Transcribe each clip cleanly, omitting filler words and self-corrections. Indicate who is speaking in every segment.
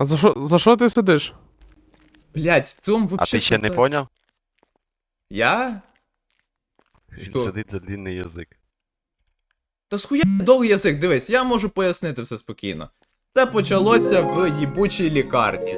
Speaker 1: А за що ти сидиш?
Speaker 2: Блять, в цьому
Speaker 3: А
Speaker 2: вообще...
Speaker 3: ти ще не
Speaker 2: ситуація.
Speaker 3: поняв?
Speaker 2: Я?
Speaker 3: Він
Speaker 2: Що?
Speaker 3: сидить за длинний язик.
Speaker 2: Та схуя довгий язик, дивись, я можу пояснити все спокійно. Це почалося в їбучій лікарні.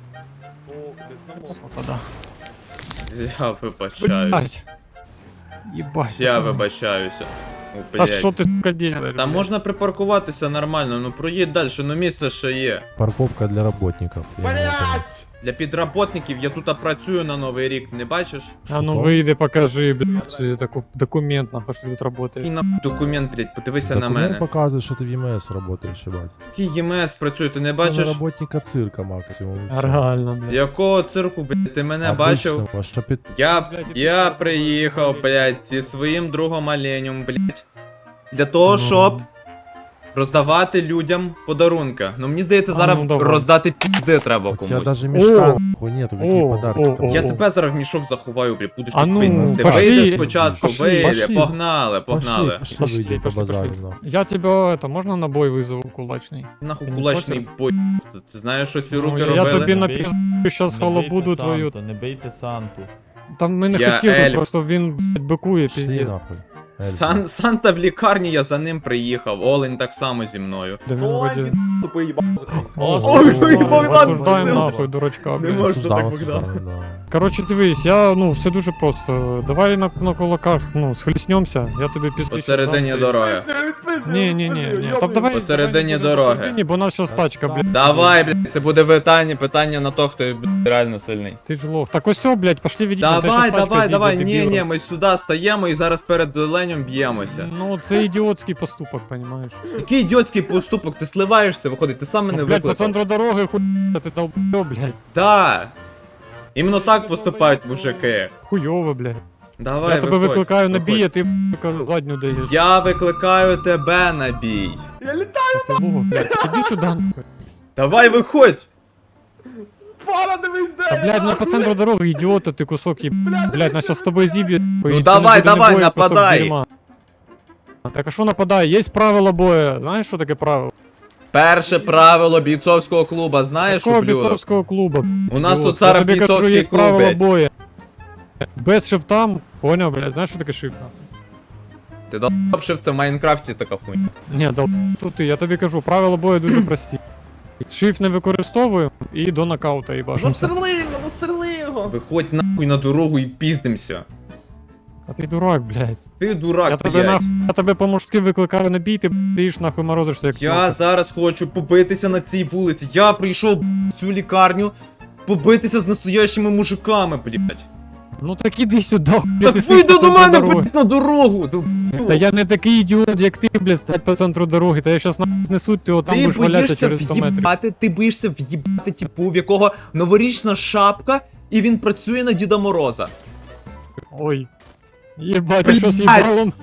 Speaker 4: Тогда.
Speaker 2: Я вибачаюсь.
Speaker 4: Блять. Ебать.
Speaker 2: Я
Speaker 4: пацаны.
Speaker 2: вибачаюся. О,
Speaker 4: Та
Speaker 2: блядь.
Speaker 4: що ти, сука, делаешь?
Speaker 2: Та
Speaker 4: блядь?
Speaker 2: можна припаркуватися нормально, ну проїдь далі, ну місце ще є.
Speaker 5: Парковка для работников.
Speaker 2: Для підработників я тут працюю на Новий рік, не бачиш?
Speaker 4: А ну выйди, покажи, блядь, документ, нахуй, что ты тут работаешь.
Speaker 2: Який на документ, блядь, подивися на
Speaker 5: Документ
Speaker 2: мене.
Speaker 5: показывает, что ты в ЕМС работаешь, ебать.
Speaker 2: Який ЄМС працює, ти не
Speaker 5: Ты
Speaker 2: бачиш?
Speaker 5: на работника цирка максимум. и всё.
Speaker 4: Реально, блядь.
Speaker 2: Якого цирку, блядь, ти мене бачив?
Speaker 5: Обычного, шапит-
Speaker 2: Я приїхав, блядь, зі своїм другом оленем, блядь. Для того, щоб роздавати людям подарунки. Ну мені здається,
Speaker 4: А,
Speaker 2: зараз
Speaker 4: ну, давай.
Speaker 2: роздати пізди треба
Speaker 5: У тебя
Speaker 2: комусь.
Speaker 5: даже мешка
Speaker 4: О!
Speaker 5: нахуй нету, какие
Speaker 4: О,
Speaker 5: подарки
Speaker 4: о,
Speaker 5: там.
Speaker 4: о,
Speaker 2: Я
Speaker 4: о.
Speaker 2: тебе зараз в мішок заховаю, блядь, будеш
Speaker 4: А
Speaker 2: тут
Speaker 4: ну,
Speaker 2: пити. Ти
Speaker 4: пошли.
Speaker 2: вийди спочатку,
Speaker 4: Пошли,
Speaker 2: вийди,
Speaker 5: пошли.
Speaker 2: погнали,
Speaker 5: Пошли,
Speaker 2: погнали.
Speaker 5: пошли,
Speaker 4: Пошли,
Speaker 5: выйдем
Speaker 4: пошли,
Speaker 5: побазарим,
Speaker 4: пошли.
Speaker 5: нахуй.
Speaker 4: Я тебя, это, можно на бой вызову кулачный?
Speaker 2: Нахуй
Speaker 4: Ти не
Speaker 2: кулачний бой. Ти знаєш, що ці руки
Speaker 4: Ну, я
Speaker 2: робили?
Speaker 4: тобі
Speaker 6: Не
Speaker 4: напишу сейчас халабуду твою.
Speaker 6: Не бийте Санту.
Speaker 4: Там ми не
Speaker 2: Я
Speaker 4: хотіли,
Speaker 2: Ель.
Speaker 4: просто він, блядь, бикує,
Speaker 5: Пошли
Speaker 4: пиздец.
Speaker 5: нахуй. Эльф.
Speaker 2: Санта в лікарні, я за ним приїхав. Олень так само зі мною.
Speaker 4: Да він вроде-
Speaker 2: Ой, ой, Богдан,
Speaker 4: осуждаємо
Speaker 2: не
Speaker 4: нахуй, дурачка,
Speaker 2: не
Speaker 4: блядь.
Speaker 2: можна
Speaker 5: Осуждаем,
Speaker 2: так, Богдан.
Speaker 5: осуждаем, да.
Speaker 4: Короче, дивись, все дуже просто. Давай на кулаках, схлеснемся, я тобі пізніше.
Speaker 2: Посередині дороги.
Speaker 4: Ні, там давай.
Speaker 2: Посередині
Speaker 4: давай
Speaker 2: дороги.
Speaker 4: посередині, бо у нас зараз тачка, блядь.
Speaker 2: Давай, блядь, це буде питання на то, хто блядь, реально сильний.
Speaker 4: Ти ж лох. Так ось все, блядь, пошли відійти.
Speaker 2: Давай, ні, ми сюди стаємо і зараз перед Ленем б'ємося.
Speaker 4: Ну, це ідіотський поступок, понімаєш?
Speaker 2: Який ідіотський поступок, ти сливаєшся, виходить, ти сам мене
Speaker 4: Ну, блядь, по
Speaker 2: викликав.
Speaker 4: центру дороги хуйня, ти долбойоб, блядь.
Speaker 2: Да. Іменно так поступають мужики.
Speaker 4: Хуйово, блядь.
Speaker 2: Давай,
Speaker 4: Я тебе
Speaker 2: виходь,
Speaker 4: викликаю на
Speaker 2: виходь.
Speaker 4: бій, а ти, сука, задню даєш.
Speaker 2: Я викликаю тебе на бій.
Speaker 4: Ти лох, блядь. Іди сюди, нахуй.
Speaker 2: Давай, виходь.
Speaker 4: Та, блядь, ну по центру дороги, ідіота, ти кусок їб... Блядь, нас щас з тобою зіб'є.
Speaker 2: Ну давай, нападай.
Speaker 4: Так а що нападай? Є правила бою. Знаєш, що таке правило?
Speaker 2: Перше правило бійцовського клуба, знаєш,
Speaker 4: Якого
Speaker 2: ублюдок?
Speaker 4: бійцовського клубу?
Speaker 2: У нас
Speaker 4: Ідіот.
Speaker 2: тут зараз
Speaker 4: Я тобі кажу,
Speaker 2: бійцовський
Speaker 4: є
Speaker 2: клуб,
Speaker 4: правила
Speaker 2: блядь.
Speaker 4: бою. Без шифтам, поняв, блядь, знаєш, що таке шифт?
Speaker 2: Ти долбшив, це в Майнкрафті така хуйня.
Speaker 4: Ні, тут ти, я тобі кажу, правила бою дуже прості. Шифт не використовуємо і до нокаута їбашимося.
Speaker 2: Виходь нахуй на дорогу і піздимся.
Speaker 4: А ти дурак, блядь.
Speaker 2: Ти дурак,
Speaker 4: Я тебе
Speaker 2: блядь.
Speaker 4: нахуй, я тебе по-мужськи викликаю на бій, ти їш нахуй морозишся як
Speaker 2: Я
Speaker 4: тьоха.
Speaker 2: зараз хочу побитися на цій вулиці. Я прийшов в цю лікарню побитися з настоящими мужиками, блядь.
Speaker 4: Ну так іди сюди, хуй,
Speaker 2: Так
Speaker 4: ти стоїш
Speaker 2: вийди
Speaker 4: по
Speaker 2: до
Speaker 4: центру
Speaker 2: мене,
Speaker 4: дороги.
Speaker 2: блядь, на дорогу!
Speaker 4: Та я не такий ідіот, як ти, блядь, стать по центру дороги, та я щас нахуй знесу, ти отам
Speaker 2: Ти
Speaker 4: будеш валятися
Speaker 2: боїшся
Speaker 4: через 100 метрів.
Speaker 2: в'їбати, ти боїшся в'їбати типу, в якого новорічна шапка, і він працює на Діда Мороза.
Speaker 4: Ой. Єбать, а
Speaker 2: Блядь.
Speaker 4: що з їбалом?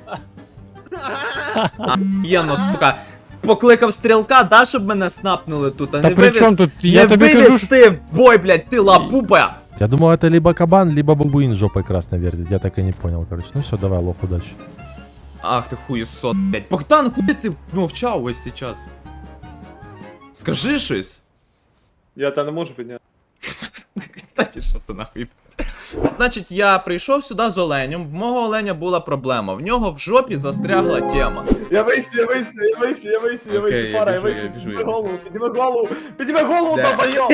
Speaker 2: Єно, сука. Покликав стрілка, да, щоб мене снапнули тут, а
Speaker 4: Та
Speaker 2: не
Speaker 4: при чому
Speaker 2: вивез.
Speaker 4: тут? Я
Speaker 2: Не
Speaker 4: тобі кажу,
Speaker 2: вивез ти в бой, блядь, ти лапупа!
Speaker 5: Я думал, это либо кабан, либо бабуин жопой красной вертит. Я так и не понял, короче. Ну все, давай, лох, удачи.
Speaker 2: Ах ти хуєсот, блядь. Богдан, хуй ти мовчав весь цей час? Скажи щось.
Speaker 7: Я та не можу підняти.
Speaker 2: Та пішов ти нахуй. Значить, я прийшов сюди з оленем, в мого оленя була проблема, в нього в жопі застрягла тема.
Speaker 7: Я вийшов,
Speaker 2: Окей, я
Speaker 7: пара, я
Speaker 2: біжу, я
Speaker 7: вийшов.
Speaker 2: біжу,
Speaker 7: Підніми голову,
Speaker 2: Де?
Speaker 7: долбойоб!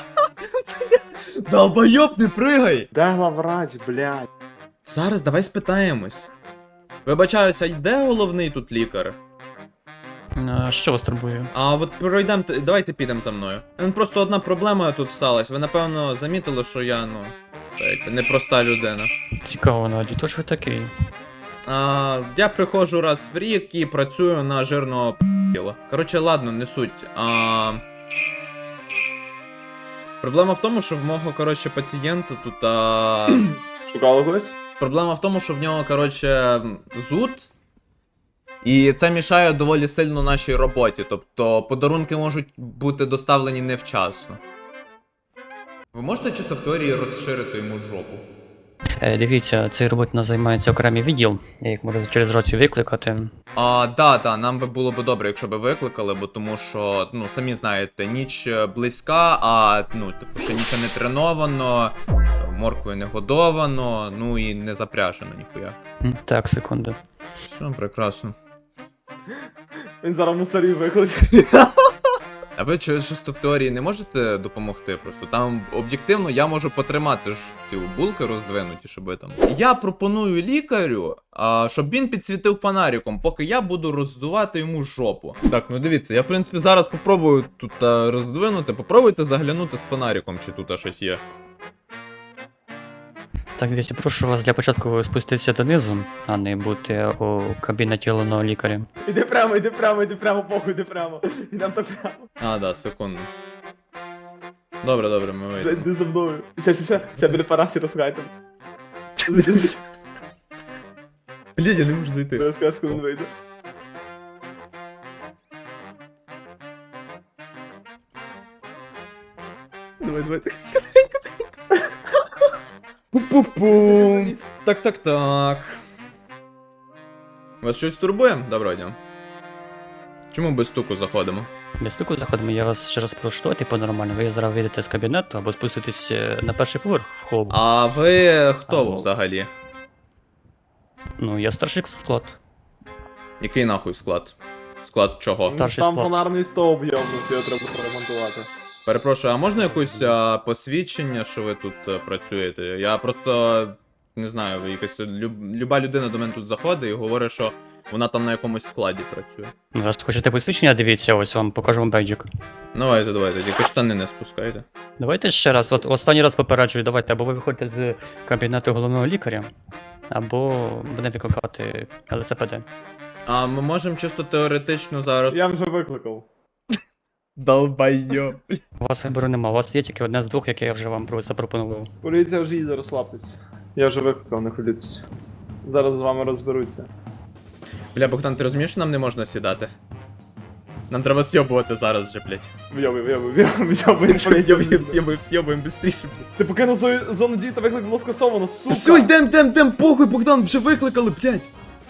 Speaker 2: Долбойоб, не пригай!
Speaker 7: Де главврач, блядь?
Speaker 2: Зараз давай спитаємось. Вибачаюся, де головний тут лікар?
Speaker 8: Що вас турбує?
Speaker 2: А от пройдемо, давайте підемо за мною. Просто одна проблема тут сталася. Ви напевно замітили, що я, ну, так, непроста людина.
Speaker 8: Цікаво, Наді, то ж ви такий.
Speaker 2: Я приходжу раз в рік і працюю на жирного п***іла. Коротше, ладно, не суть. Проблема в тому, що в мого, коротше, пацієнта тут.
Speaker 7: Шукали когось?
Speaker 2: Проблема в тому, що в нього, коротше, зуд. І це мішає доволі сильно нашій роботі. Тобто подарунки можуть бути доставлені невчасно. Ви можете чисто в теорії розширити йому жопу?
Speaker 8: Дивіться, цією роботою займається окремий відділ, я їх можу через рацію викликати.
Speaker 2: Да, нам би було б добре, якщо б викликали, бо тому що, ну, самі знаєте, ніч близька, а, ну, типу, ще нічого не треновано, морквою не годовано, ну і не запряжено ніхуя.
Speaker 8: Так, секунду.
Speaker 2: Все, прекрасно.
Speaker 7: Він зараз мусорів викличе.
Speaker 2: А ви чисто в теорії не можете допомогти просто? Там об'єктивно я можу потримати ж ці булки роздвинуті, щоб ви там. Я пропоную лікарю, щоб він підсвітив фонариком, поки я буду роздувати йому жопу. Так, ну дивіться, я в принципі зараз попробую тут роздвинути. Попробуйте заглянути з фонариком, чи тут щось є.
Speaker 8: Так, дивіться, прошу вас для початку спуститися донизу, а не бути у кабінеті головного лікаря.
Speaker 7: Іди прямо, похуй, іди прямо. Ідем так прямо.
Speaker 2: Да, секунду. Добре, ми
Speaker 7: Блядь,
Speaker 2: вийдемо.
Speaker 7: іди за мною. Ще біля парасі розгайте.
Speaker 2: Блін, я не можу зайти.
Speaker 7: Я скажу, коли він вийде.
Speaker 2: Давай. Пу-пу-пум. Так. Вас щось турбує? Доброго дня. Чому без стуку заходимо?
Speaker 8: Без стуку заходимо, я вас ще раз прошу, давайте по-нормально. Ви зараз вийдете з кабінету або спуститесь на перший поверх в холл.
Speaker 2: А ви хто
Speaker 8: Алло.
Speaker 2: взагалі?
Speaker 8: Ну, я старший склад.
Speaker 2: Який нахуй склад? Склад чого?
Speaker 8: Старший
Speaker 7: Там
Speaker 8: склад.
Speaker 7: фонарний стовп йобнувся, його треба поремонтувати.
Speaker 2: Перепрошую, а можна якусь посвідчення, що ви тут працюєте? Я просто не знаю, якась люба людина до мене тут заходить і говорить, що вона там на якомусь складі працює.
Speaker 8: Раз хочете посвідчення, дивіться, ось вам покажу вам бейджик.
Speaker 2: Давайте, тільки штани не спускайте.
Speaker 8: Давайте ще раз, от останній раз попереджую, давайте, або ви виходите з кабінету головного лікаря, або буде викликати ЛСПД.
Speaker 2: А ми можемо чисто теоретично зараз.
Speaker 7: Я вже викликав.
Speaker 2: Долбайо.
Speaker 8: У вас вибору нема, у вас є тільки одне з двох, яке я вже вам запропонував.
Speaker 7: Поліція вже їде, розслабтесь. Я вже викликав, не хвилюйтесь. Зараз з вами розберуться.
Speaker 2: Бля, Богдан, ти розумієш, що нам не можна сідати? Нам треба сьобувати зараз же, блядь. Сьобуємо быстріше.
Speaker 7: Ти покинув зону дії та виклик було скасовано, сука!
Speaker 2: Все, йдем, похуй, Богдан, вже викликали, блядь.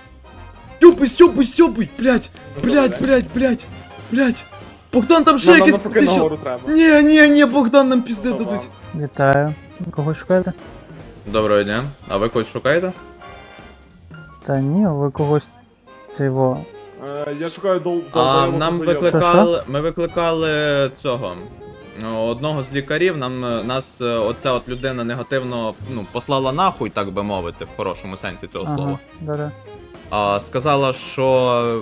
Speaker 2: Сьобуй, блядь. Блядь. Богдан, там ще
Speaker 7: Нам
Speaker 2: якийсь...
Speaker 7: поки нагору треба.
Speaker 2: Ні, Богдан, нам пізди
Speaker 7: Ага.
Speaker 2: дадуть.
Speaker 1: Вітаю. Кого шукаєте?
Speaker 2: Доброго дня. А ви когось шукаєте?
Speaker 1: Та ні, ви когось цього.
Speaker 7: Я шукаю
Speaker 2: Ми викликали цього. Одного з лікарів, нас оця от людина негативно, послала нахуй, так би мовити, в хорошому сенсі цього слова.
Speaker 1: Да-да.
Speaker 2: Сказала, що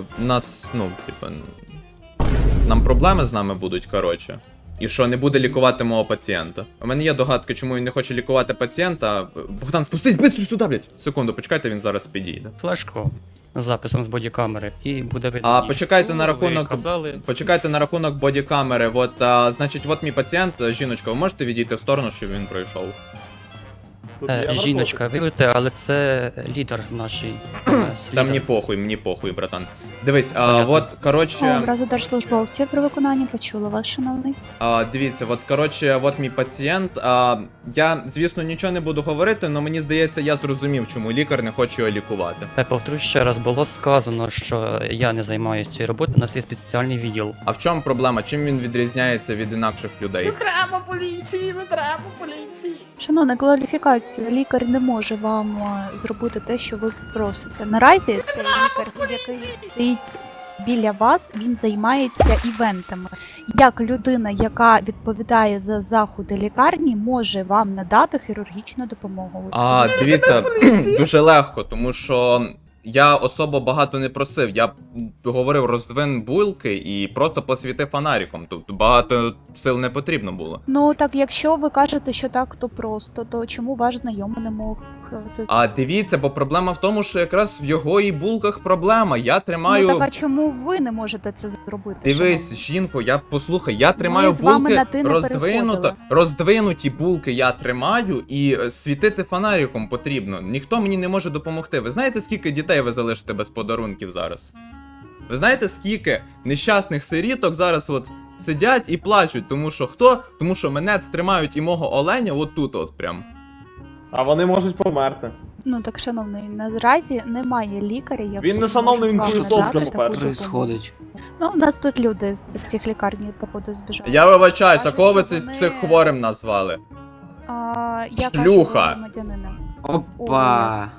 Speaker 2: нам проблеми з нами будуть, коротше. І що не буде лікувати мого пацієнта. У мене є догадки, чому він не хоче лікувати пацієнта. Богдан, спустись быстро сюди, блядь. Секунду, почекайте, він зараз підійде.
Speaker 8: Флешку з записом з бодікамери і буде видно.
Speaker 2: Почекайте на
Speaker 8: ви
Speaker 2: рахунок.
Speaker 8: казали.
Speaker 2: Почекайте на рахунок бодікамери. Значить, от мій пацієнт, жіночка, ви можете відійти в сторону, щоб він пройшов?
Speaker 8: Жіночка, вибачте, але це лідер нашій.
Speaker 2: Та мені похуй, братан. Дивись,
Speaker 8: Понятно.
Speaker 2: от, коротше.
Speaker 6: Образу держслужбовців при виконанні почула вас, шановний.
Speaker 2: Дивіться, от, коротше, от мій пацієнт. Я, звісно, нічого не буду говорити, але мені здається, я зрозумів, чому лікар не хоче його лікувати.
Speaker 8: Повторюю ще раз, було сказано, що я не займаюся цією роботою, у нас є спеціальний відділ.
Speaker 2: А в чому проблема? Чим він відрізняється від інакших людей?
Speaker 7: Треба поліції, не треба поліції!
Speaker 6: Шановна, кваліфікацію. Лікар не може вам зробити те, що ви просите. Наразі цей лікар, який стоїть біля вас, він займається івентами. Як людина, яка відповідає за заходи лікарні, може вам надати хірургічну допомогу?
Speaker 2: Дивіться, дуже легко, тому що я особо багато не просив. Я говорив роздвин булки і просто посвітив фонариком. Тобто багато сил не потрібно було.
Speaker 6: Ну так, якщо ви кажете, що так, то просто, то чому ваш знайомий не мог це
Speaker 2: Дивіться, бо проблема в тому, що якраз в його і булках проблема. Я тримаю.
Speaker 6: Ну так, а чому ви не можете це зробити?
Speaker 2: Дивись,
Speaker 6: шановний?
Speaker 2: жінко, послухай, я тримаю
Speaker 6: з вами
Speaker 2: булки
Speaker 6: на ти не
Speaker 2: роздвинуті булки я тримаю і світити фонариком потрібно. Ніхто мені не може допомогти. Ви знаєте, скільки дітей ви залишите без подарунків зараз? Ви знаєте, скільки нещасних сиріток зараз от сидять і плачуть, тому що хто? Тому що мене тримають і мого оленя отут от прям.
Speaker 7: А вони можуть померти.
Speaker 6: Ну так, шановний, наразі немає лікаря, який
Speaker 7: Він не шановний, він
Speaker 6: може вам
Speaker 7: хуєсосом,
Speaker 6: надати таку
Speaker 7: по-перше.
Speaker 6: допомогу. Ну, у нас тут люди з психлікарні, походу, збіжали.
Speaker 2: Я вибачаюсь, а
Speaker 6: Кажуть,
Speaker 2: кого ви
Speaker 6: що
Speaker 2: цим
Speaker 6: вони-
Speaker 2: психхворим назвали?
Speaker 6: Я
Speaker 2: Шлюха.
Speaker 6: кажу громадянина.
Speaker 9: Опа!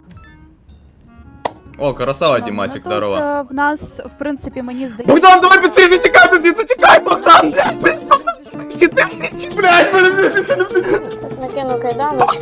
Speaker 2: О, красава,
Speaker 6: Шановний,
Speaker 2: Дімасик,
Speaker 6: ну, тут
Speaker 2: здорово.
Speaker 6: в нас, в принципі, мені здається...
Speaker 2: Богдан, давай быстрее, тікай, звідси, тікай, Богдан! Чи ти мені, чи, блядь, мене звідси не
Speaker 10: Накину кайданочки.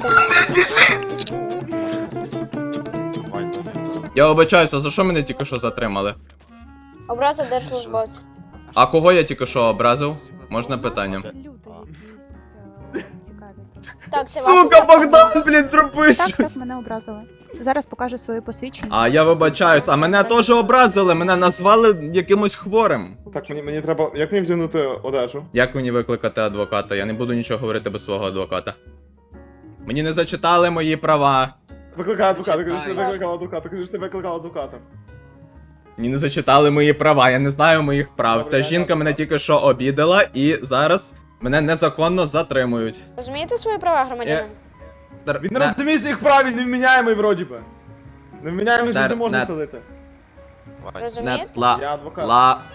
Speaker 2: Я вибачаюся, за що мене тільки що затримали?
Speaker 10: Образа держслужбовця.
Speaker 2: А кого я тільки що образив? Можна питання?
Speaker 6: Люди якісь цікаві тут.
Speaker 10: Так, це
Speaker 2: Сука,
Speaker 10: ваша
Speaker 2: Богдан, блядь, зроби
Speaker 6: Так,
Speaker 2: щось!
Speaker 6: мене образили. Зараз покажу своє посвідчення.
Speaker 2: А я вибачаюсь, а мене теж образили, мене назвали якимось хворим.
Speaker 7: Так, мені треба. Як мені вдягнути одежу?
Speaker 2: Як мені викликати адвоката? Я не буду нічого говорити без свого адвоката. Мені не зачитали мої права.
Speaker 7: Викликай адвоката, кажи, що ти викликав адвоката, кажи, що ти викликав адвоката.
Speaker 2: Мені не зачитали мої права, я не знаю моїх прав.
Speaker 7: Добре,
Speaker 2: Ця
Speaker 7: я
Speaker 2: жінка
Speaker 7: так.
Speaker 2: мене тільки що обідала і зараз мене незаконно затримують.
Speaker 10: Розумієте свої права, громадянин?
Speaker 7: Він не розуміє своїх прав, він невміняємий вроді би. Невміняємий ж не можна
Speaker 2: Нет.
Speaker 7: садити.
Speaker 10: Розумієте?
Speaker 7: Я адвокат.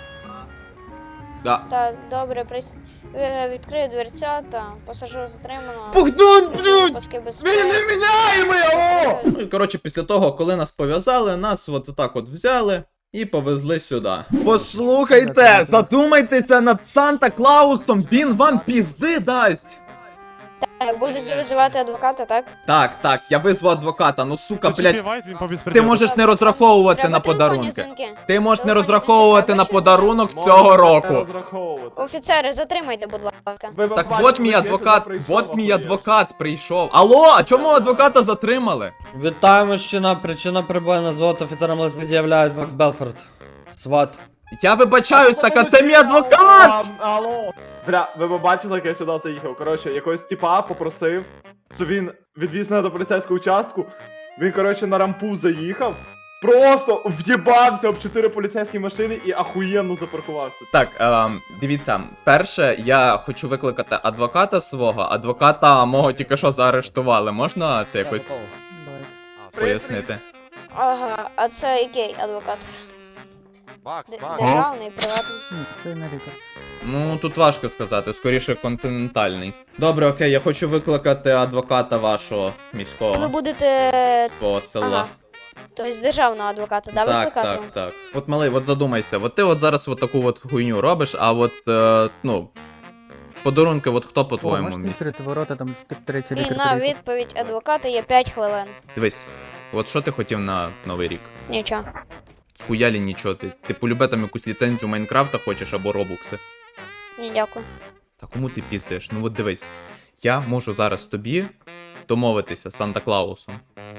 Speaker 10: Так, добре, відкрию дверцята, посажу затриманого.
Speaker 2: Богдан, блядь!
Speaker 10: Паски
Speaker 7: Він
Speaker 10: безпеки.
Speaker 7: невміняємий, алло!
Speaker 2: Ну і коротше, після того, коли нас пов'язали, нас от так от взяли і повезли сюди. Послухайте, задумайтеся над Санта-Клаусом, він вам пізди дасть.
Speaker 10: Так, будете визивати адвоката, так?
Speaker 2: Так, я визву адвоката, ну сука, блядь,
Speaker 4: Вайт, він по
Speaker 2: ти
Speaker 4: безпреділу.
Speaker 2: можеш не розраховувати
Speaker 10: Треба
Speaker 2: на
Speaker 10: телефонні
Speaker 2: подарунки.
Speaker 10: дзвінки.
Speaker 2: Ти можеш не
Speaker 10: Телефонні
Speaker 2: розраховувати
Speaker 10: дзвінки
Speaker 2: на
Speaker 10: треба
Speaker 2: подарунок
Speaker 7: Можете
Speaker 2: цього
Speaker 7: не
Speaker 2: року.
Speaker 7: розраховувати.
Speaker 10: Офіцери, затримайте, будь ласка.
Speaker 7: Ви
Speaker 2: Так
Speaker 7: бачите,
Speaker 2: от мій
Speaker 7: я сюди
Speaker 2: адвокат,
Speaker 7: прийшов,
Speaker 2: от мій
Speaker 7: ахуєш.
Speaker 2: адвокат прийшов. Алло, а чому адвоката затримали?
Speaker 9: Вітаю, мужчина. Причина прибою на золото офіцером ЛСПД являюсь Макс Белфорд. Сват.
Speaker 2: Я вибачаюсь, так а це мій
Speaker 7: Алло,
Speaker 2: адвокат!
Speaker 7: Алло. Бля, ви побачили, як я сюди заїхав. Коротше, якогось типа попросив, щоб він відвіз мене до поліцейського участку. Він, коротше, на рампу заїхав. Просто в'єбався об 4 поліцейські машини і ахуєнно запаркувався.
Speaker 2: Так, дивіться, перше, я хочу викликати адвоката свого. Адвоката мого тільки що заарештували. Можна це якось пояснити?
Speaker 10: Ага, а це який адвокат?
Speaker 3: Бакс,
Speaker 10: Державний, приватний?
Speaker 1: Це не лікар.
Speaker 2: Ну, тут важко сказати, скоріше континентальний. Добре, окей, я хочу викликати адвоката вашого
Speaker 10: Ви
Speaker 2: міського
Speaker 10: будете...
Speaker 2: свого села.
Speaker 10: Ага. Тобто державного адвоката, да,
Speaker 2: Так,
Speaker 10: викликати?
Speaker 2: так, так. От малий, от задумайся, от ти от зараз от таку от хуйню робиш, а от, ну, подарунки, от хто по твоєму
Speaker 1: Можете
Speaker 2: місці?
Speaker 1: відкрити ворота, там третій
Speaker 10: І
Speaker 1: лікар
Speaker 10: на
Speaker 1: приїхав.
Speaker 10: відповідь адвоката є 5 хвилин.
Speaker 2: Дивись, от що ти хотів на Новий рік?
Speaker 10: Нічого.
Speaker 2: Схуялі нічого, ти полюбе там якусь ліцензію Майнкрафта хочеш або робукси.
Speaker 10: Ні, дякую.
Speaker 2: Та кому ти піздиш? Ну от дивись, я можу зараз тобі домовитися з Санта-Клаусом.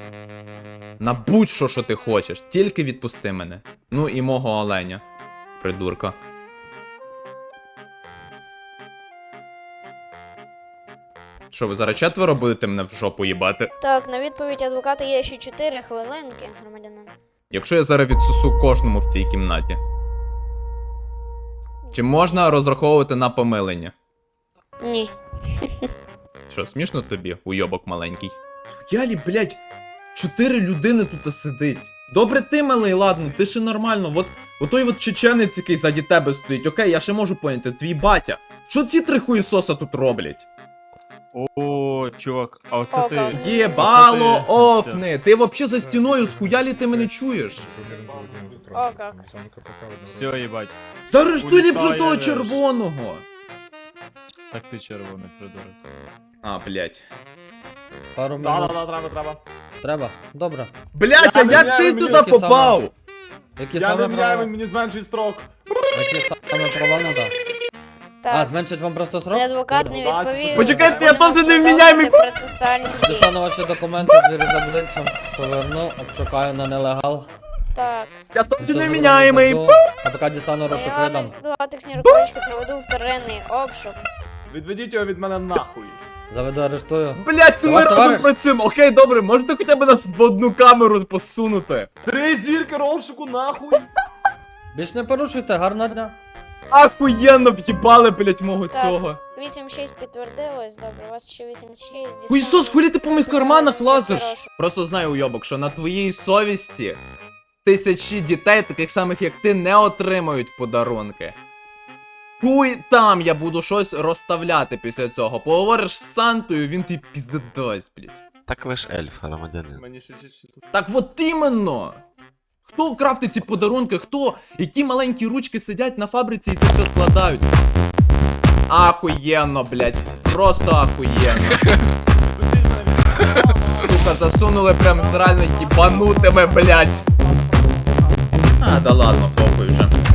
Speaker 2: На будь-що, що ти хочеш, тільки відпусти мене. Ну і мого оленя, придурка. Що, ви зараз четверо будете мене в жопу їбати?
Speaker 10: Так, на відповідь адвоката є ще 4 хвилинки, громадянин.
Speaker 2: Якщо я зараз відсусу кожному в цій кімнаті. Чи можна розраховувати на помилення?
Speaker 10: Ні.
Speaker 2: Що, смішно тобі, уйобок маленький? Ялі, блядь, 4 людини тут сидить. Добре ти, малий, ладно, ти ще нормально. От той от чеченець, який ззаді тебе стоїть. Окей, я ще можу поняти, твій батя. Що ці 3 хуєсоса тут роблять?
Speaker 11: О, чувак, а оце
Speaker 10: О,
Speaker 11: ти.
Speaker 10: так.
Speaker 2: Єбало
Speaker 11: Оце ти.
Speaker 2: офни! Ти вообще за стіною схуялі ти мене чуєш?
Speaker 10: О, як.
Speaker 11: Все, їбать.
Speaker 2: Заарештуй ліпше
Speaker 11: Улітає
Speaker 2: того
Speaker 11: веш.
Speaker 2: червоного!
Speaker 11: Так ти червоний придурок.
Speaker 2: А, блядь.
Speaker 9: Пару минут.
Speaker 7: Треба.
Speaker 9: Треба? Добре.
Speaker 2: Блядь, а
Speaker 7: Я не
Speaker 2: як
Speaker 7: знаю,
Speaker 2: ти
Speaker 7: мені
Speaker 2: туди
Speaker 9: таке саме.
Speaker 2: попав?
Speaker 9: Які
Speaker 7: Я
Speaker 9: саме
Speaker 7: не
Speaker 9: права?
Speaker 7: міняю, мені зменшує строк.
Speaker 9: Які саме права надо? А,
Speaker 10: Так.
Speaker 9: зменшить вам просто срок?
Speaker 10: Адвокат
Speaker 9: Добре.
Speaker 10: не відповів.
Speaker 2: Почекайте, я
Speaker 10: Будемо
Speaker 2: теж невміняємий.
Speaker 10: продовжувати процесуальні дії.
Speaker 9: Дістану ваші документи, звірю за обличчям, поверну, обшукаю на нелегал.
Speaker 10: Так.
Speaker 2: Я точно
Speaker 9: Все
Speaker 2: невміняємий.
Speaker 9: зроблю, а поки дістану розшук
Speaker 10: Я
Speaker 9: видам.
Speaker 10: латексні рукавички проведу вторинний обшук.
Speaker 7: Відведіть його від мене нахуй.
Speaker 9: Заведу, арештую.
Speaker 2: Блядь, ти ми
Speaker 9: Товариш,
Speaker 2: разом
Speaker 9: товариш.
Speaker 2: працюємо. Окей, добре, можете хоча б нас в одну камеру посунути?
Speaker 7: 3 зірки розшуку нахуй.
Speaker 9: Більш не порушуйте, гарного дня.
Speaker 2: Ахуєнно в'їбали, блядь, мого
Speaker 10: Так.
Speaker 2: цього.
Speaker 10: 8-6 підтвердилось, добре, у вас ще 8-6.
Speaker 2: Ой, Ісус, хулі ти по моїх карманах лазиш?
Speaker 10: Хорошо.
Speaker 2: Просто знаю, уйобок, що на твоїй совісті тисячі дітей, таких самих як ти, не отримають подарунки. Хуй там я буду щось розставляти після цього. Поговориш з Сантою, він тобі пізде дасть, блядь.
Speaker 3: Так ви ж ельф, громадянин.
Speaker 7: Мені ще тут.
Speaker 2: Так от іменно! Хто крафтить ці подарунки? Хто? Які маленькі ручки сидять на фабриці і це все складають? Ахуєнно, блядь. Просто ахуєнно. Сука, засунули прям з реально їбанутими, блядь. А, да ладно, похуй вже.